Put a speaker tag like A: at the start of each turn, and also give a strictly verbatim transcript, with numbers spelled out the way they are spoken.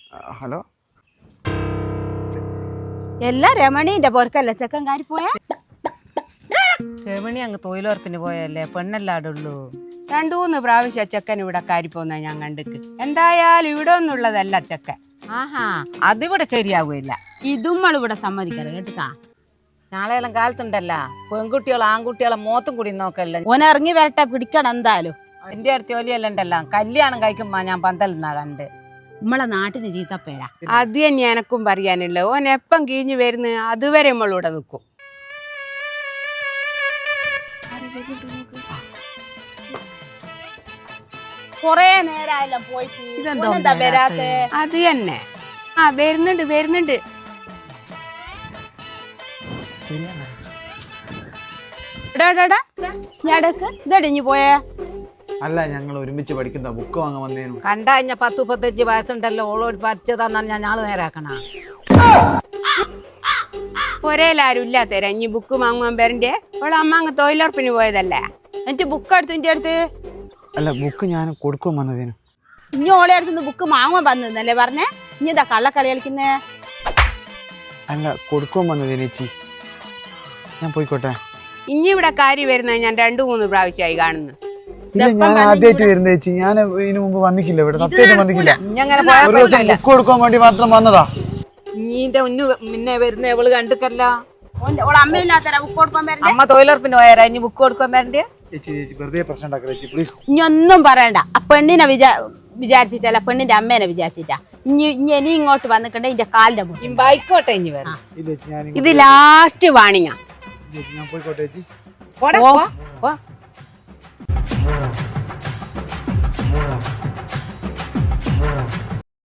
A: Hello.
B: എല്ലാ രമണീന്റെ പൊറക്കല്ല ചെക്കൻകാരി പോയാ
C: രമണി അങ്ങ് തൊഴിലുറപ്പിന് പോയല്ലേ പെണ്ണല്ലാടുള്ളൂ.
D: രണ്ടു മൂന്ന് പ്രാവശ്യം ചെക്കൻ ഇവിടെ കാരിപ്പോന്ന ഞാൻ കണ്ടിക്ക്. എന്തായാലും ഇവിടെ ഒന്നുള്ളതല്ല ചെക്കൻ.
C: ആഹാ അതിവിടെ ശരിയാകൂല.
B: ഇതുമ്മൾ ഇവിടെ സമ്മതിക്കരുത് കേട്ടുക്കാ.
C: നാളെയെല്ലാം കാലത്തുണ്ടല്ല പെൺകുട്ടികളെ ആൺകുട്ടികളെ മോത്തും കൂടി നോക്കല്ല.
B: ഓൻ ഇറങ്ങി വരട്ടെ പിടിക്കണം എന്തായാലും.
C: എന്റെ അടുത്ത് ജോലിയെല്ലാം ഉണ്ടല്ലോ കല്യാണം കഴിക്കുമ്പോ ഞാൻ പന്തലുന്നാ കണ്ട്.
B: നമ്മളെ നാട്ടിന് ചീത്തപ്പേരാ.
D: അത് തന്നെ എനക്കും പറയാനുള്ളത്. ഓൻ എപ്പം കീഞ്ഞു വരുന്ന അതുവരെ നമ്മളിവിടെ നിൽക്കും.
B: കൊറേ നേരമായല്ലോ പോയിട്ട്. ഇതെന്താ വരാത്തെ?
D: അത് തന്നെ. ആ വരുന്നുണ്ട് വരുന്നുണ്ട്.
B: ഞാടക്ക് ഇതടിഞ്ഞു പോയേ.
A: അല്ല ഞങ്ങൾ ഒരുമിച്ച് പഠിക്കുന്ന ബുക്ക് വാങ്ങാൻ വന്നേനു.
C: കണ്ട കഴിഞ്ഞ പത്ത് മുപ്പത്തഞ്ച് വയസ്സുണ്ടല്ലോ ഓളോട് പഠിച്ചതാന്നാണ് ഞാൻ ഞാള് നേരാക്കണ.
D: ഒരേലാരും ഇല്ലാത്തരാ ഇനി ബുക്ക് വാങ്ങുവാൻ പേരന്റെ ഓളെ അമ്മ അങ്ങ് തൊഴിലുറപ്പിന് പോയതല്ലേ.
B: എന്നിട്ട് ബുക്ക് എടുത്തു ഇന്റെ അടുത്ത്.
A: അല്ല ബുക്ക് ഞാൻ കൊടുക്കാൻ വന്നതേനു.
B: ഇനി ഓളെ അടുത്ത് ബുക്ക് വാങ്ങാൻ വന്നല്ലേ പറഞ്ഞേ. ഇനി ഇതാ കള്ളക്കളി കളിക്കുന്നേ.
A: അല്ല കൊടുക്കാൻ വന്നതേനു ചേച്ചി. ഞാൻ പോയിക്കോട്ടെ.
D: ഇനി ഇവിടെ കാര്യം വരുന്നത് ഞാൻ രണ്ടു മൂന്ന് പ്രാവശ്യമായി കാണുന്നു.
A: ഇല്ല ഞാൻ ആദ്യമായിട്ട് വരുന്ന ചേച്ചി. ഞാൻ ഇതിനു മുമ്പ് വന്നിക്കില്ല ഇവിടെ. സത്യമായിട്ട് വന്നിക്കില്ല.
C: ഇങ്ങനെ
A: ബുക്ക് കൊടുക്കാൻ വേണ്ടി മാത്രം വന്നതാ.
C: നീന്റെ ഉന്നു മുന്നേ വരുന്ന ഇവള് കണ്ടിക്കല്ല.
B: അമ്മയില്ലാത്തരാ ബുക്ക് കൊടുക്കാൻ വരണ്ടേ.
C: അമ്മ തൊഴിലുറപ്പിന് പോയാരാ ഇനി ബുക്ക് കൊടുക്കാൻ വരണ്ടേ.
A: ചേച്ചി ചേച്ചി വെറുതെ പ്രശ്നം ഉണ്ടാക്കരുത് ചേച്ചി പ്ലീസ്.
B: ഇനി ഒന്നും പറയണ്ട. ആ പെണ്ണിനെ വിചാ വിചാരിച്ചിട്ടല്ല പെണ്ണിന്റെ അമ്മേനെ വിചാരിച്ചിട്ടാ. ഇനി ഇനി ഇനി ഇങ്ങോട്ട് വന്നിക്കണ്ടേ ഇന്റെ കാലിന്റെ മുന്നിൽ.
C: ബൈക്കോട്ടെ ഇനി വരണം.
D: ഇത് ലാസ്റ്റ് വാണിങ്ങാ.
A: ഞാൻ പോയിക്കോട്ടെ ചേച്ചി.
C: പോടാ പോ.